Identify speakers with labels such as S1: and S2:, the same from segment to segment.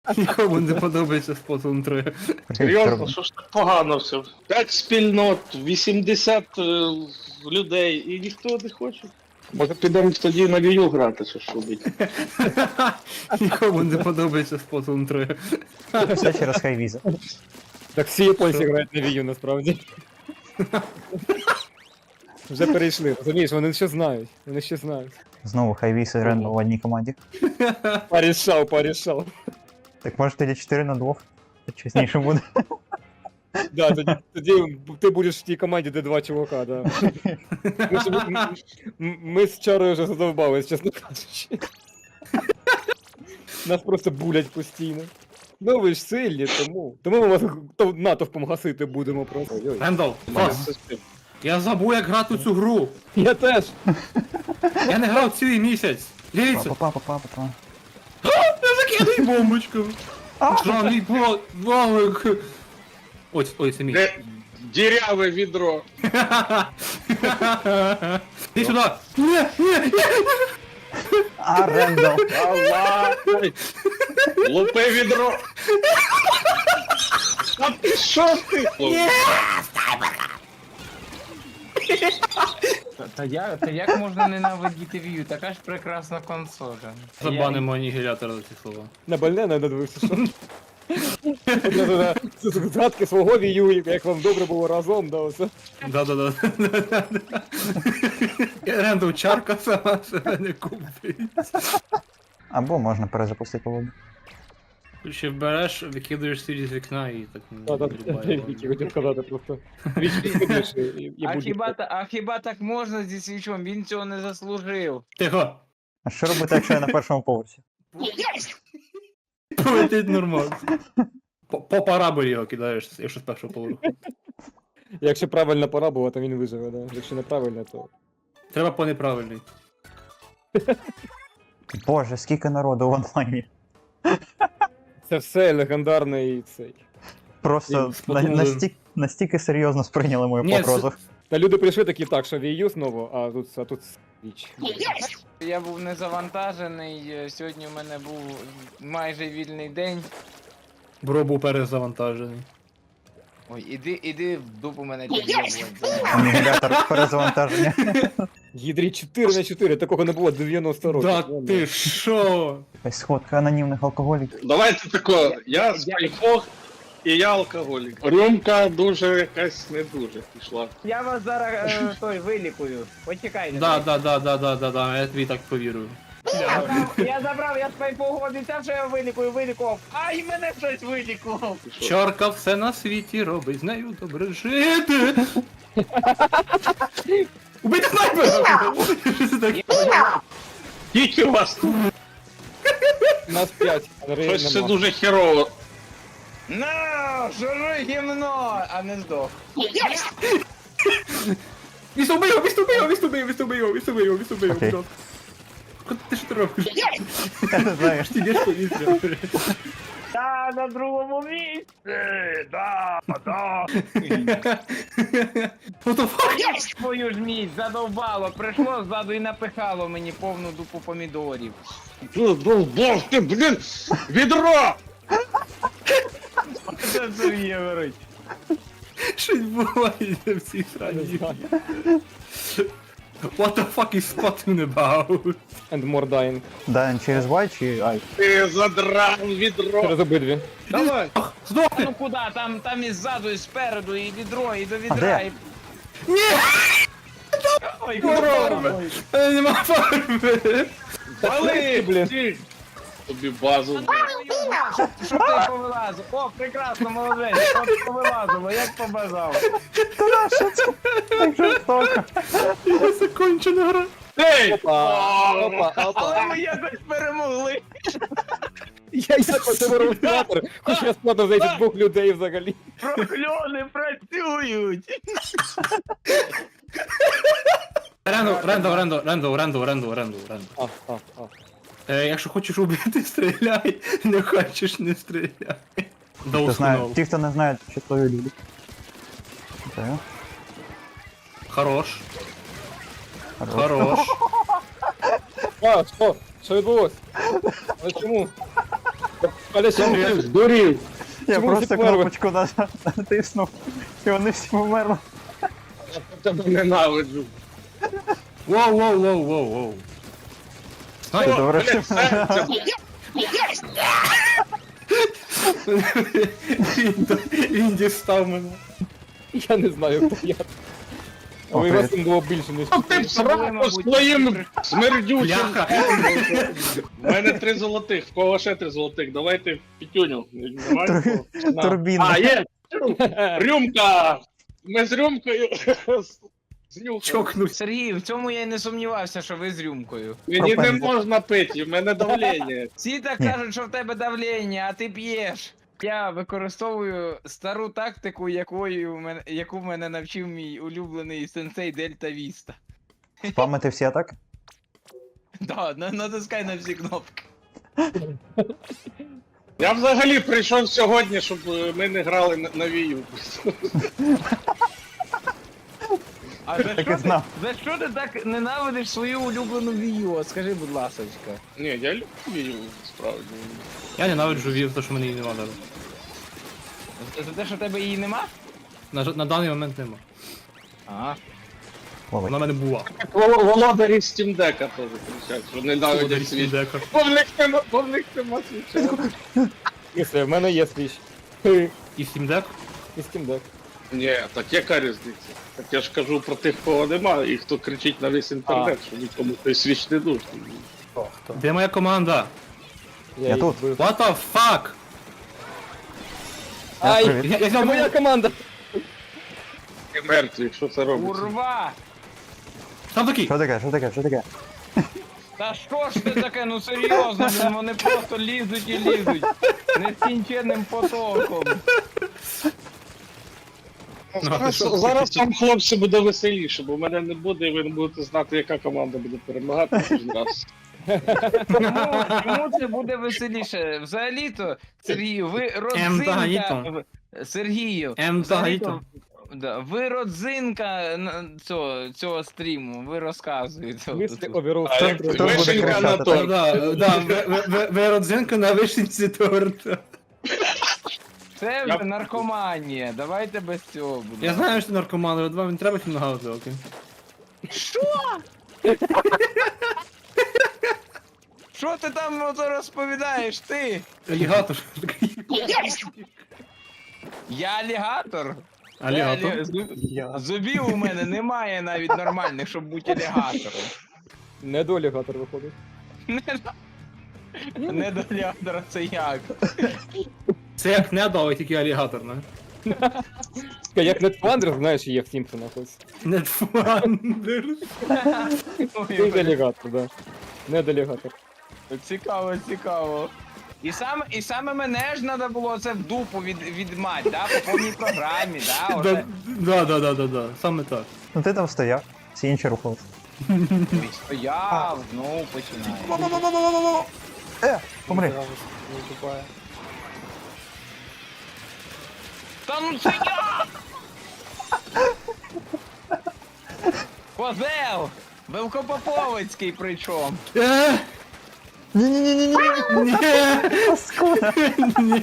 S1: Нікому не подобається Splatoon 3.
S2: Серйозно, що ж так погано все? 5 спільнот, 80 людей, і ніхто не хоче. Може підемо тоді на Wii U грати, що ж робити.
S1: Нікому не подобається Splatoon 3.
S3: Все через хайвіза.
S4: Так всі японці грають на Wii U, насправді. Вже перейшли, розумієш, вони ще знають. Вони ще знають.
S3: Знову хайвіз і Рендо в одній команді.
S4: Порішав.
S3: Так може тоді 4 на 2. Чесніше буде.
S4: Да, тоді ти будеш в тій команді, де два чувака, да. Ми з Чарою вже задовбались, чесно кажучи. Нас просто булять постійно. Ну ви ж сильні, тому ми вас натовпом гасити будемо просто. Ой.
S1: Рендал, клас. Я забув, як грати у цю гру.
S4: Я теж.
S1: Я не грав цілий місяць. Дивіться,
S3: Папа.
S1: я закидаю бомбочку. Жаний валик. Ой, це мій.
S2: Де діряве відро.
S1: Іди сюди. Ні.
S3: А, Рендо.
S2: Аллах! Лупи відро! А ти що ти?
S5: Та як можна ненавидіти Wii U? Така ж прекрасна консоля.
S1: Забанимо анігілятора за ці слова.
S4: На больне не дивився, що. Згадки свого Wii U, як вам добре було разом, да, оце.
S1: Да. Рендал, чарка сама себе не купить.
S3: Або можна перезапустити лобі.
S1: Ще береш, викидаєш сирі з вікна і так не
S4: Так,
S1: вирібає.
S4: Вікі хотів сказати просто. Вічки сидиш і
S5: А хіба так можна зі свічом? Він цього не заслужив.
S1: Тихо.
S3: А що робити, якщо я на першому поверсі?
S1: Полетить нормально. По параболі його кидаєш, якщо з першого поверху.
S4: Якщо правильна пора була, то він виживе, да. Якщо неправильно, то.
S1: Треба по неправильній.
S3: Боже, скільки народу в онлайні.
S4: Це все легендарний цей.
S3: Просто
S1: Splatoon.
S3: настільки серйозно сприйняли мою
S1: Ні,
S3: погрозу.
S4: Та люди прийшли такі, так, що Wii U знову, а тут Switch.
S5: Я був не завантажений, сьогодні у мене був майже вільний день.
S1: Бро був перезавантажений.
S5: Ой, іди в дупу мене під'єбувати.
S3: Анігілятор перезавантаження.
S4: Гідрі 4х4, такого не було 90 років.
S1: Да ти шо?
S3: Якась сходка анонімних алкоголіків.
S2: Давайте тако, я спайфог і я алкоголік. Рюмка дуже якась не дуже пішла.
S5: Я вас зараз той вилікую. Почекайте.
S1: Да, я тобі так повірую.
S5: Я забрав, я спайфогу обіцяв, що я вилікував. Ай, мене щось вилікував.
S1: Чорка все на світі робить, з нею добре жити. Убийте снайпера! Що це таке?
S2: Тільки у вас тут
S4: Нас 5,
S2: щось це дуже херово.
S5: На, жури гімно, а не здох.
S1: Відступи
S3: Окей.
S1: його. Ти що ти робиш?
S3: Я не знаю.
S1: Ти йдеш повітря.
S5: Та на другому місці, да.
S1: What the fuck?
S5: Твою ж міць, задовбало, прийшло ззаду і напихало мені повну дупу помідорів.
S2: Бог ти, блін! Відро!
S5: Це Сергій говорить.
S1: Що відбувається в цій срані? What the fuck is Splatoon about?
S4: And more dying.
S3: Да, через Y чи I?
S2: Ти задрав відро!
S4: Через обидві.
S2: Давай!
S1: Здохни!
S5: Ну куди? Там і ззаду, і спереду, і відро, і до відра,
S3: де?
S5: і...
S1: Ні!
S5: Ой,
S1: Корова! Нема фарби!
S2: Вали,
S4: блін.
S2: блін! Тобі базу.
S5: Щоб ти повилазив. О, прекрасно, молодець, от повилазило, як побажав.
S3: Так жорстоко.
S1: Я закончена гра.
S2: Ей!
S4: Опа.
S5: Але ми якось перемогли.
S4: Я симулятор, хоч я складно зайти двох людей взагалі.
S5: Прокльони працюють.
S1: Рендо. Якщо хочеш убити, стріляй. Не хочеш, не стріляй. До
S3: Ти знаєш,
S1: установ.
S3: ті, хто не знають, що твої люди. Так.
S1: Хорош.
S3: Хорош.
S1: Хорош.
S4: Що відбулось? А чому? Коля, що ти?
S2: Здурів.
S3: Я
S4: Чому
S3: просто
S4: всі померли?
S3: кнопочку натиснув, і вони всі померли.
S2: Я тебе ненавиджу.
S1: Воу.
S3: Ти
S1: Ай,
S3: добре,
S2: Блядь, серце.
S1: він дістав мене.
S4: Я не знаю, хто я.
S3: О,
S4: Але
S3: привіт.
S4: вас там було більше, ніж
S2: Ну ти сраку своїм смердючим.
S1: Бляха.
S2: У мене 3 золотих, в кого ще 3 золотих? Давайте п'ятюню. Немає
S3: Тур-
S2: нікого? На.
S3: турбіна.
S2: А, є! Рюмка! Ми з рюмкою знюхали.
S1: Чокнувся.
S5: Сергій, в цьому я й не сумнівався, що ви з рюмкою.
S2: Мені не
S3: Пропенза.
S2: можна пити, в мене давлення.
S5: Всі так
S3: Ні.
S5: кажуть, що в тебе давлення, а ти п'єш. Я використовую стару тактику, яку мене навчив мій улюблений сенсей Дельта Віста.
S3: Спамити всі атаки?
S5: Да, натискай на всі кнопки.
S2: Я взагалі прийшов сьогодні, щоб ми не грали на вію.
S5: А за
S3: Так і
S5: що,
S3: знав.
S5: за що ти так ненавидиш свою улюблену вію? Скажи, будь ласочка.
S2: Ні, я люблю вію, справді.
S1: Я ненавиджу вів, тому що мене її нема навіть.
S5: За те, що в тебе її нема?
S1: На даний момент нема.
S5: Ага.
S3: Ловить.
S1: Вона в мене була.
S2: Так володарі Steam Deck теж кричать, що не навіть свіч.
S1: Дека.
S2: Бо в них нема свіча.
S4: Якщо в мене є свіч.
S1: І Steam Deck?
S4: І Steam Deck.
S2: Ні, так яка різниця? Так я ж кажу про тих, кого нема, і хто кричить на весь інтернет, що нікому той свіч не нужен.
S1: Де моя команда?
S3: Я
S4: її
S3: тут.
S4: вбив.
S1: What the fuck?
S4: Ай,
S3: Привіт.
S1: Я
S4: це
S1: взяв
S4: моя команда.
S2: І мертві, що це робиться?
S5: Урва!
S1: Там такий.
S3: Що таке, що таке, що таке?
S5: Та що ж ти таке, ну серйозно, блін, вони просто лізуть і лізуть. Нескінченним потоком.
S2: Зараз вам, хлопці, буде веселіше, бо мене не буде, і ви не будете знати, яка команда буде перемагати кожен раз.
S5: Чому це буде веселіше? Взагалі-то, Сергію, ви родзинка...
S1: Гаїто.
S5: Сергію,
S1: Гаїто.
S5: взагалі-то, да, ви родзинка цього стріму, ви розказуєте.
S4: Мислі оберу
S2: А як
S4: центру.
S3: Хто буде
S2: вишенька
S3: кричати,
S2: на
S3: так?
S2: торт.
S1: Ви родзинка на вишенці торта.
S5: Це вже наркоманія, давайте без цього будемо.
S1: Я знаю, що ти наркоман, але вам не треба фінгаузи, окей.
S5: Що ти там ото розповідаєш, ти?
S1: Алігатор.
S5: Я алігатор?
S1: Алігатор.
S5: Зубів у мене немає навіть нормальних, щоб бути алігатором.
S4: Не до алігатор виходить.
S5: Не до алігатора це як?
S1: Це як недо, але тільки алігатор, не?
S4: Як Нетфандер, знаєш, є в Сімпсонах ось.
S1: Недфандер.
S4: Ти алігатор, да. Не до алігатор.
S5: Цікаво, цікаво. І саме мене ж треба було це в дупу відмать, да? По повній програмі, да? Оце.
S1: Да. Саме так.
S3: Ну ти там стояв, всі інші рухались.
S5: Стояв, знову починає.
S3: Помри.
S5: Та ну це я! Козел! Велкопоповицький причому.
S3: Ні-ні-ні-ні-ні.
S1: Ні.
S3: Паскуда.
S1: Ні.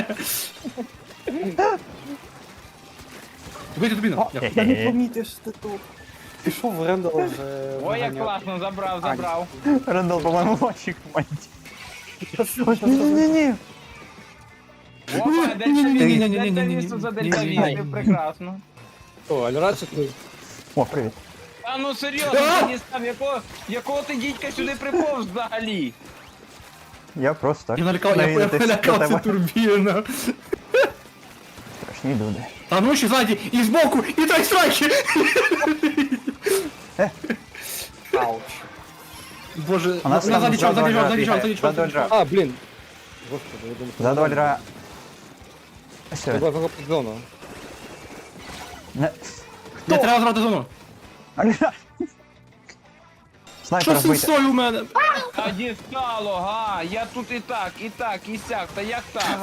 S1: Вийди тобі на.
S6: Я не помітив, що ти тут. Пішов в Рендал вже.
S5: Ой, як класно, забрав.
S3: Рендал, по-моєму, в вашій команді. Ні-ні-ні.
S5: Опа,
S1: Ні-ні-ні-ні-ні-ні-ні.
S5: дельтавісту за дельтавістів, прекрасно.
S4: О, Альрадше ти.
S3: О, привіт.
S5: А ну серйозно, ти дістав, якого ти дідька сюди приповз взагалі?
S3: Я просто так.
S1: Я
S3: навідатись до
S1: налякався
S3: тебе.
S1: турбіна.
S3: Страшні люди.
S1: Там ну ще ззаді, і збоку, і так страйки!
S6: Ауч.
S1: Боже,
S3: У нас там
S1: ззаді чав, ззаді чав, ззаді чав,
S3: бігає.
S1: ззаді чав.
S3: Ззаду Альра.
S4: А, блін. Господи, я думаю.
S3: Ззаду Альра. Все.
S4: Треба захопити зону.
S3: Не.
S1: Не треба зрати зону.
S3: Альра.
S1: Що
S3: Снайпера
S1: з цим
S3: вбити.
S1: сою у мене?
S5: Та дістало, га, я тут і так, і сяк, та як так?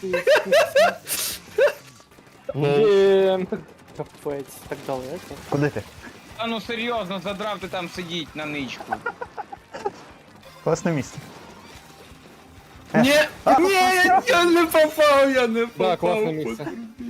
S4: Блін.
S6: Капець, так далеко.
S3: Куди ти?
S5: Та ну серйозно, задрав ти там сидіть на ничку.
S3: Класне місце.
S1: Ні, ні, я не попав, я не попав.
S4: Да, класне місце.
S1: потрібно.